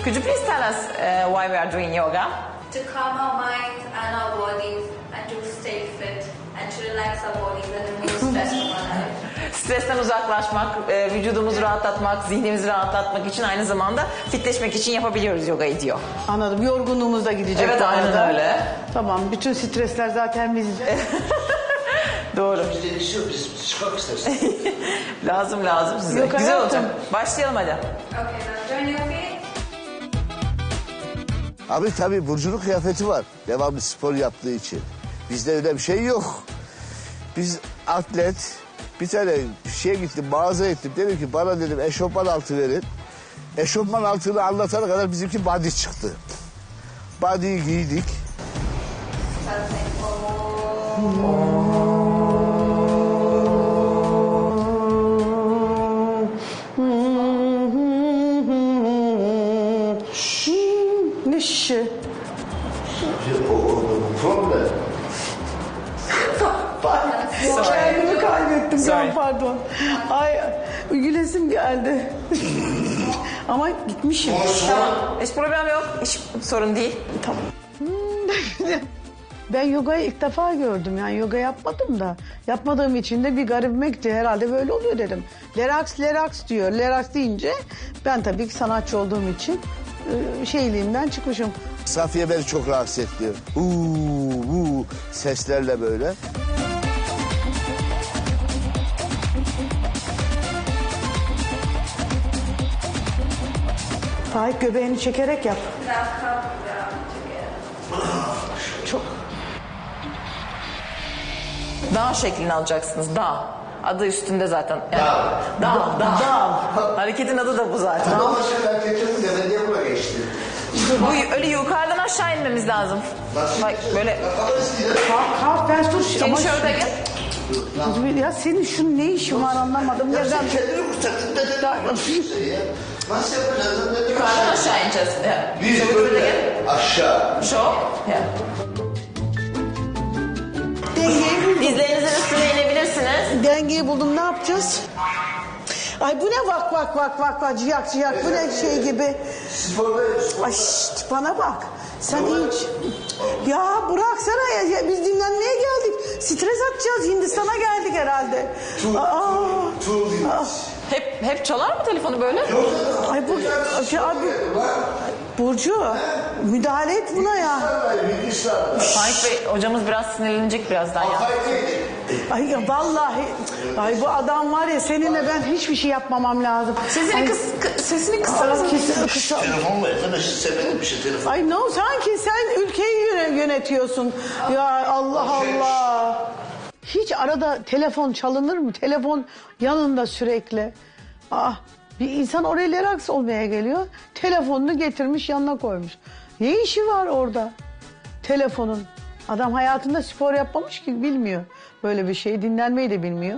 Could you please tell us why we are doing yoga? To calm our minds and our bodies and to stay fit and to relax our bodies and remove stress from our life. Stresten uzaklaşmak, vücudumuzu rahatlatmak, zihnimizi rahatlatmak için aynı zamanda fitleşmek için yapabiliyoruz yogayı diyor. Anladım. Yorgunluğumuz da gidecek. Evet, bu aynen arada. öyle. Tamam. Bütün stresler zaten bizde. Doğru. Bizde bir şey yok, biz çıkmak isteriz. lazım size. Yok, Güzel hayatım. olacak. Başlayalım hadi. Okay, now join your feet. Abi tabii Burcu'nun kıyafeti var. Devamlı spor yaptığı için. Bizde öyle bir şey yok. Biz atlet, bir tane şeye gittim, mağaza ettim. Dedim ki bana dedim eşofman altı verin. Eşofman altını anlatana kadar bizimki body çıktı. Body'yi giydik. Ne şişi? Problem. Kendimi kaybettim. Sorry. Pardon. Ay gülesim geldi. Ama gitmişim. Tamam. Hiç problem yok. Hiç sorun değil. Tamam. Ben yogayı ilk defa gördüm. Yani yoga yapmadım da. Yapmadığım için de bir garibimekti. Herhalde böyle oluyor dedim. Lerax diyor. Lerax deyince ben tabii ki sanatçı olduğum için şeyliğimden çıkmışım. Safiye beni çok rahatsız etti. Seslerle böyle. Faik göbeğini çekerek yap. Now come down together. Çok. Dağ şeklini alacaksınız. Dağ. Adı üstünde zaten. Yani, dağ. Hareketin adı da bu zaten. Ama başka erkeklerin demediği buna geçti. Bu öyle yukarıdan aşağı inmemiz lazım. Bak böyle. Kalk ben dur. Seni şöyle gel. Ya senin şu ne işin var anlamadım. Ya Neden? sen kendini kurtardın da nasıl yapacağız? Yukarıdan aşağı ineceğiz. Biz Şöyle böyle gel. aşağı. Şok. Dizlerinizin üstüne inebilirsiniz. Dengeyi buldum, ne yapacağız? Ay bu ne vak ciyak bu ne şey gibi. Ay şşt, bana bak. Sen hiç... Ya bıraksana ya, biz dinlenmeye geldik. Stres atacağız, Hindistan'a geldik herhalde. Hep çalar mı telefonu böyle? Ay bu... Burcu, müdahale et buna ya. Faik Bey hocamız biraz sinirlenecek birazdan ya. Ay ya vallahi, ay bu adam var ya, seninle ben hiçbir şey yapmamam lazım. Sesini kısarız. Telefon ver arkadaş, severim bir şey telefon. Ay no, sanki sen ülkeyi yönetiyorsun. Ya Allah Allah. Hiç arada telefon çalınır mı? Telefon yanında sürekli. Bir insan oraya relax olmaya geliyor. Telefonunu getirmiş yanına koymuş. Ne işi var orada? Telefonun. Adam hayatında spor yapmamış ki, bilmiyor. Böyle bir şey, dinlenmeyi de bilmiyor.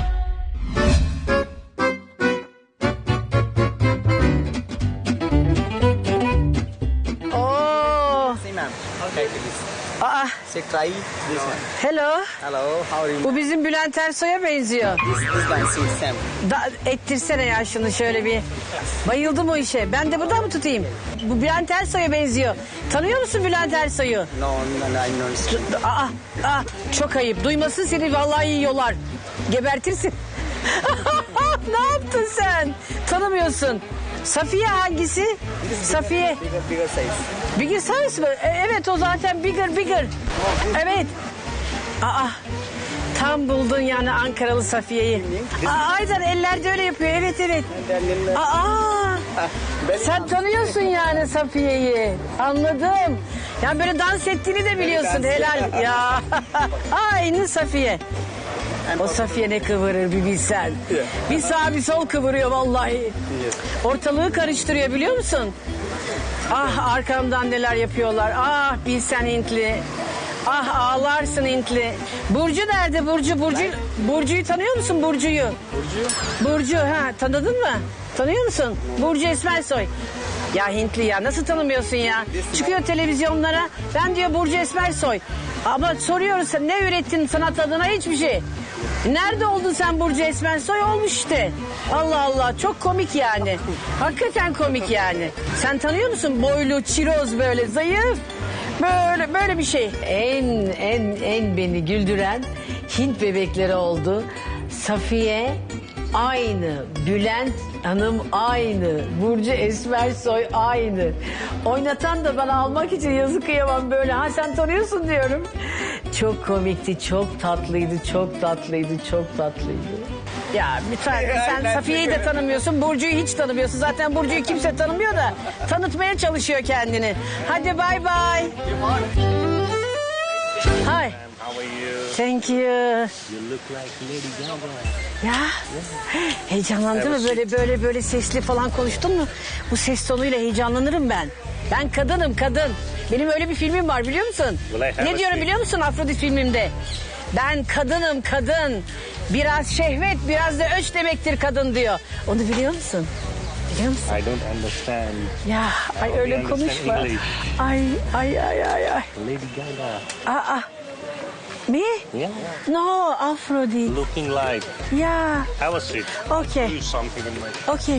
Oh. Okay, please. So try this one. Hello. Hello, how are you? Bu bizim Bülent Ersoy'a benziyor. This one, see Sam. Ettirsene ya şunu şöyle bir. Bayıldım o işe. Ben de buradan mı tutayım? Bu Bülent Ersoy'a benziyor. Tanıyor musun Bülent Ersoy'u? No, I don't. Çok ayıp. Duymasın seni, vallahi yiyorlar. Gebertirsin. Ne yaptın sen? Tanımıyorsun. Safiye hangisi? Safiye. Bigger size. Bigger size mı? Evet, o zaten bigger. Evet. Tam buldun yani Ankaralı Safiye'yi. Aynen, eller de öyle yapıyor. Evet. Sen tanıyorsun yani Safiye'yi. Anladım. Yani böyle dans ettiğini de biliyorsun. Helal ya. Aynı Safiye. O Safiye ne kıvırır bir bilsen. Bir sağ bir sol kıvırıyor vallahi. Ortalığı karıştırıyor, biliyor musun? Arkamdan neler yapıyorlar. Bilsen Hintli. Ağlarsın Hintli. Burcu nerede? Burcu'yu tanıyor musun, Burcu'yu? Burcu, tanıdın mı? Tanıyor musun? Burcu Esmersoy. Ya Hintli ya, nasıl tanımıyorsun ya? Çıkıyor televizyonlara. Ben diyor Burcu Esmersoy. Ama soruyoruz, ne ürettin sanat adına? Hiçbir şey. Nerede oldun sen Burcu Esmersoy? Olmuş işte. Allah Allah, çok komik yani. Hakikaten komik yani. Sen tanıyor musun? Boylu, çiroz, böyle zayıf. Böyle bir şey. En beni güldüren Hint bebekleri oldu. Safiye aynı, Bülent Hanım aynı, Burcu Esmersoy aynı. Oynatan da bana almak için yazık kıyamam böyle. Ha sen tanıyorsun diyorum. Çok komikti, çok tatlıydı, çok tatlıydı, çok tatlıydı. Ya lütfen sen Safiye'yi de tanımıyorsun, Burcu'yu hiç tanımıyorsun. Zaten Burcu'yu kimse tanımıyor da tanıtmaya çalışıyor kendini. Hadi bay bay. Hi. How are you? Thank you. You look like Lady Gaga. Ya heyecanlandın mı böyle sesli falan konuştun mu? Bu ses tonuyla heyecanlanırım ben. Ben kadınım kadın. Benim öyle bir filmim var biliyor musun? Well, I have Ne a diyorum seat. biliyor musun Afrodit filmimde? Ben kadınım kadın. Biraz şehvet biraz da öç demektir kadın diyor. Onu biliyor musun? Biliyor musun? I don't understand. Ya ay only öyle understand konuşma. English. Ay. Lady Gaga. Aa. Me? Yeah. No, Afrodit. Looking like. Yeah. Have a seat. Okay. Do something in my. Okay.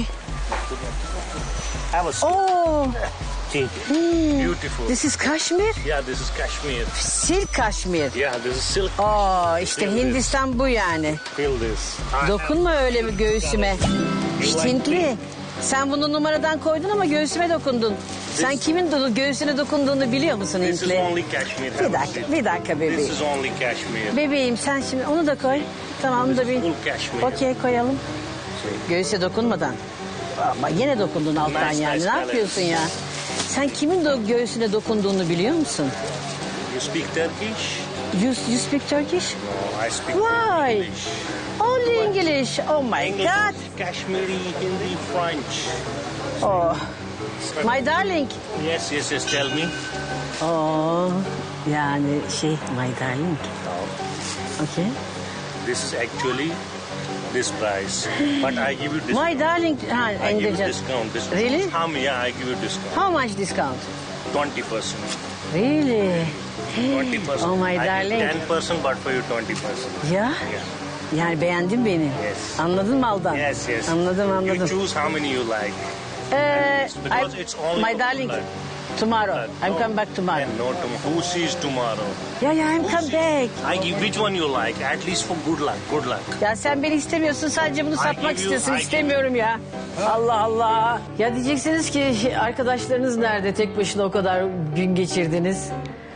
Have a seat. Oh, Beautiful. this is Kashmir. Yeah, this is Kashmir. Silk Kashmir. Yeah, this is silk. Oh, işte Hindistan bu yani. Feel this. Dokunma öyle bir göğsüme. İşte Hintli. Sen bunu numaradan koydun ama göğsüme dokundun. Sen kimin göğsüne dokunduğunu biliyor musun This is Hintli? only Kashmir. Bir Have a dakika, seat. bir dakika This bebeğim. is only Kashmir. Bebeğim sen şimdi onu da koy. Tamam onu da bir. Full Kashmir. Okey koyalım. Göğüse dokunmadan. Ama yine dokundun alttan Nice, yani. nice Ne balance. yapıyorsun ya? Sen kimin göğsüne dokunduğunu biliyor musun? You speak Turkish? You speak Turkish? No, I speak Why? English. Only English. Oh my English, God. Kashmiri, Hindi, French. Oh. My darling. Yes, tell me. Oh. Yani my darling. Okay. This is actually this price. But I give you discount. My darling. Ha, I give you İngilizce. discount. Really? Yeah, I give you discount. How much discount? 20%. Really? 20%. Oh my I darling. give 10%, but for you 20%. Ya. Yani beğendin beni. Yes. Anladın mı Aldan? Yes. Anladım. You choose how many you like. Because it's only My darling. like- Tomorrow. I'm No. coming back tomorrow. And no tomorrow. Who sees tomorrow? Yeah, I'm Who come sees- back. I give which one you like, at least for good luck. Good luck. Ya sen beni istemiyorsun sadece bunu satmak give you- istiyorsun. I give İstemiyorum ya. Allah Allah. Ya diyeceksiniz ki arkadaşlarınız nerede? Tek başına o kadar gün geçirdiniz.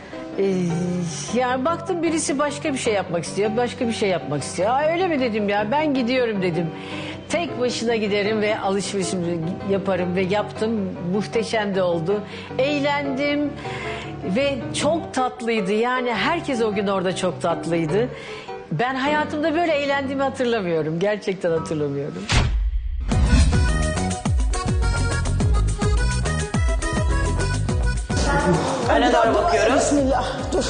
Ya baktım birisi başka bir şey yapmak istiyor. Başka bir şey yapmak istiyor. Aa, öyle mi dedim ya ben gidiyorum dedim. Tek başına giderim ve alışverişimi yaparım ve yaptım. Muhteşem de oldu. Eğlendim ve çok tatlıydı. Yani herkes o gün orada çok tatlıydı. Ben hayatımda böyle eğlendiğimi hatırlamıyorum. Gerçekten hatırlamıyorum. Öne doğru bakıyoruz. Bismillah. Dur.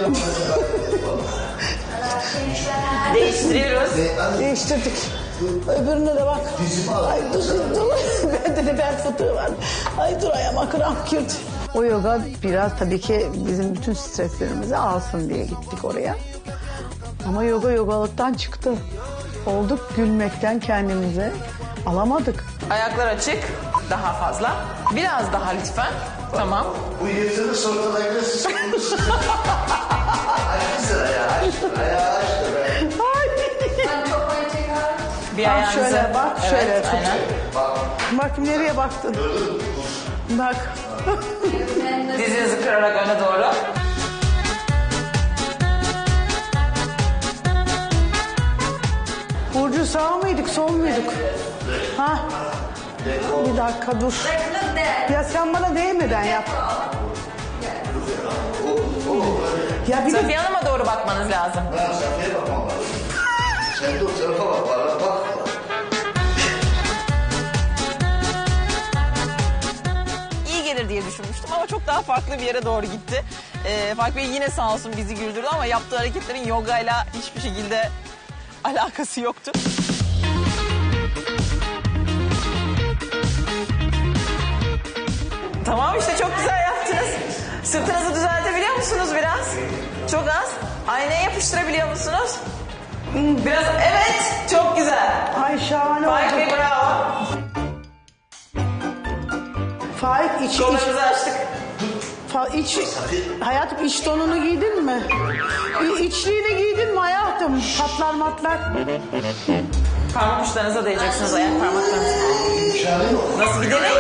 Değiştiriyoruz. Değiştirdik. Öbürüne de bak. Ay dur. Bende de bel fıtığı var. Ay dur ayağıma kramp girdi. O yoga biraz tabii ki bizim bütün streslerimizi alsın diye gittik oraya. Ama yogalıktan çıktı. Olduk gülmekten kendimize. Alamadık. Ayaklar açık. Daha fazla. Biraz daha lütfen. Tamam. Bu yırtını sorgulayla siz konuşsunuz. Açtı ayağı açtı be. Bir Bak ayağınızı. şöyle bak şöyle Evet, tut. aynen. Bak nereye baktın? Bak. Dizinizi kırarak öne doğru. Burcu sağ mıydık sol muyduk? Ha? Bir dakika dur. Ya sen bana değmeden yap. Ya bir de Safiye Hanım'a doğru bakmanız lazım. Ben Safiye'ye bakmam lazım. Sen de o tarafa bak bana bak. İyi gelir diye düşünmüştüm ama çok daha farklı bir yere doğru gitti. Fark Bey yine sağ olsun bizi güldürdü ama yaptığı hareketlerin yogayla hiçbir şekilde alakası yoktu. Tamam işte çok güzel yaptınız. Sırtınızı düzeltebiliyor musunuz biraz? Çok az. Aynaya yapıştırabiliyor musunuz? Biraz evet çok güzel. Ay şahane Faik oldu. Bey bravo. Faik iç. Kollarımızı açtık. Hayatım iç donunu giydin mi? İçliğini giydin mi hayatım? Patlar matlar. Parmak uçlarınıza değeceksiniz ayak parmaklarınızı. Nasıl bir deney?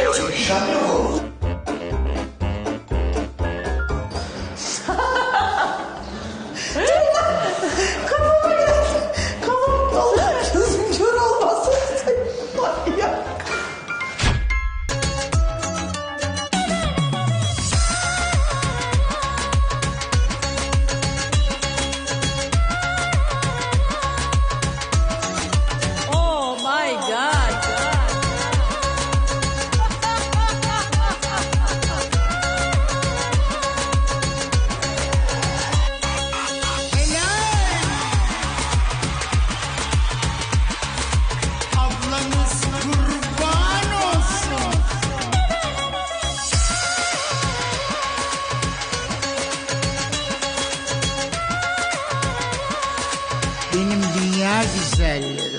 Kafama geldi. Kafam doluyor. Gözüm kör olmasın. Ay ya. Oh my God. Ablanız kurban olsun. Benim dünya güzelleri.